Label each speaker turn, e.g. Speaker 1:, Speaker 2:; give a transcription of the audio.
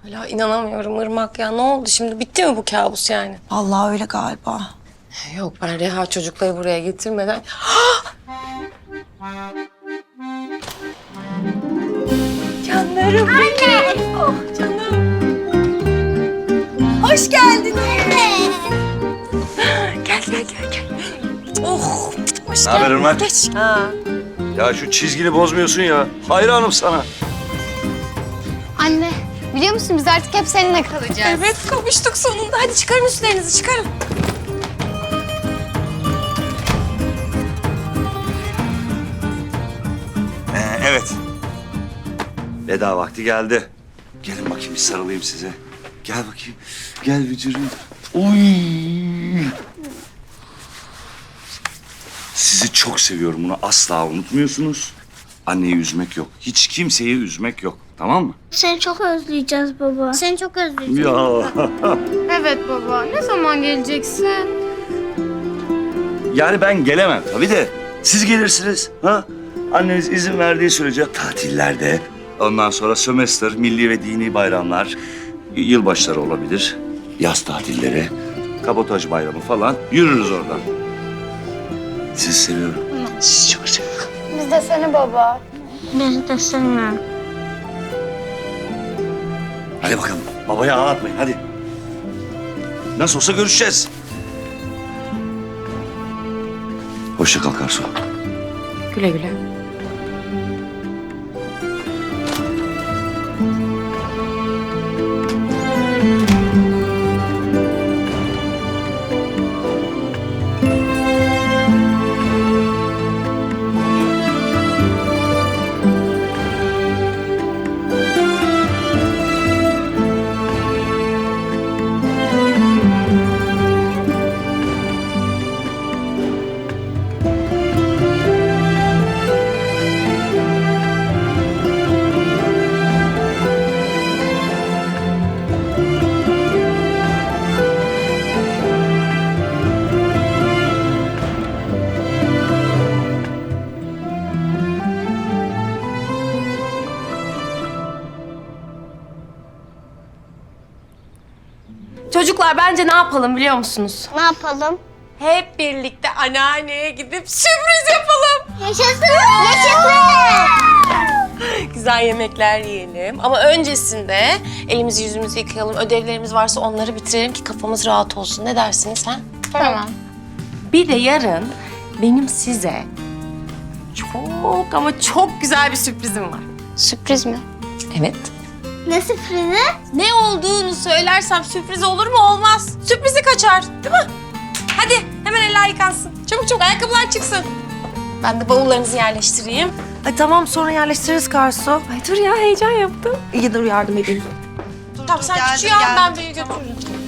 Speaker 1: Hala inanamıyorum Irmak ya. Ne oldu şimdi? Bitti mi bu kabus yani?
Speaker 2: Vallahi öyle galiba.
Speaker 1: Yok ben Reha çocukları buraya getirmeden... Canlarım benim. Oh canım.
Speaker 2: Hoş geldiniz.
Speaker 1: Gel. Oh hoş
Speaker 3: Ne haber
Speaker 1: geldin.
Speaker 3: Irmak?
Speaker 1: Geç.
Speaker 3: Ya şu çizgini bozmuyorsun ya. Hayranım sana.
Speaker 4: Anne, biliyor musun biz artık hep seninle kalacağız.
Speaker 1: Evet kavuştuk sonunda. Hadi çıkarın üstlerinizi çıkarın.
Speaker 3: Evet. Veda vakti geldi. Gelin bakayım bir sarılayım size. Gel bakayım. Gel vücudum. Uy. Sizi çok seviyorum. Bunu asla unutmuyorsunuz. Anneyi üzmek yok. Hiç kimseyi üzmek yok. Tamam mı?
Speaker 5: Seni çok özleyeceğiz baba. Seni çok özleyeceğiz.
Speaker 3: Ya.
Speaker 4: Evet baba, ne zaman geleceksin?
Speaker 3: Yani ben gelemem tabii de. Siz gelirsiniz. Ha? Anneniz izin verdiği sürece tatillerde. Ondan sonra sömestr, milli ve dini bayramlar, yılbaşları olabilir. Yaz tatilleri, kabotaj bayramı falan. Yürürüz oradan. Sizi seviyorum. Sizi çok seviyorum.
Speaker 4: Biz de seni baba.
Speaker 5: Biz de seni.
Speaker 3: Hadi bakalım. Babayı ağlatmayın hadi. Nasıl olsa görüşeceğiz. Hoşça kal Karsu.
Speaker 1: Güle güle. Çocuklar bence ne yapalım biliyor musunuz?
Speaker 5: Ne yapalım?
Speaker 1: Hep birlikte anneanneye gidip sürpriz yapalım.
Speaker 5: Yaşasın! Yaşasın!
Speaker 1: Güzel yemekler yiyelim. Ama öncesinde elimizi yüzümüzü yıkayalım. Ödevlerimiz varsa onları bitirelim ki kafamız rahat olsun. Ne dersiniz ha?
Speaker 4: Tamam.
Speaker 1: Bir de yarın benim size çok ama çok güzel bir sürprizim var.
Speaker 4: Sürpriz mi?
Speaker 1: Evet.
Speaker 5: Ne sürprizi?
Speaker 1: Ne olduğunu söylersem sürpriz olur mu? Olmaz. Sürprizi kaçar, değil mi? Hadi hemen eller yıkansın. Çabuk çabuk ayakkabılar çıksın. Ben de bavullarınızı yerleştireyim.
Speaker 2: Ay tamam sonra yerleştiririz Karsu.
Speaker 1: Ay dur ya heyecan yaptım.
Speaker 2: İyi dur yardım edeyim.
Speaker 1: Tamam sen
Speaker 2: Geldim,
Speaker 1: küçüğü al
Speaker 2: geldim.
Speaker 1: ben büyüğü götürürüm.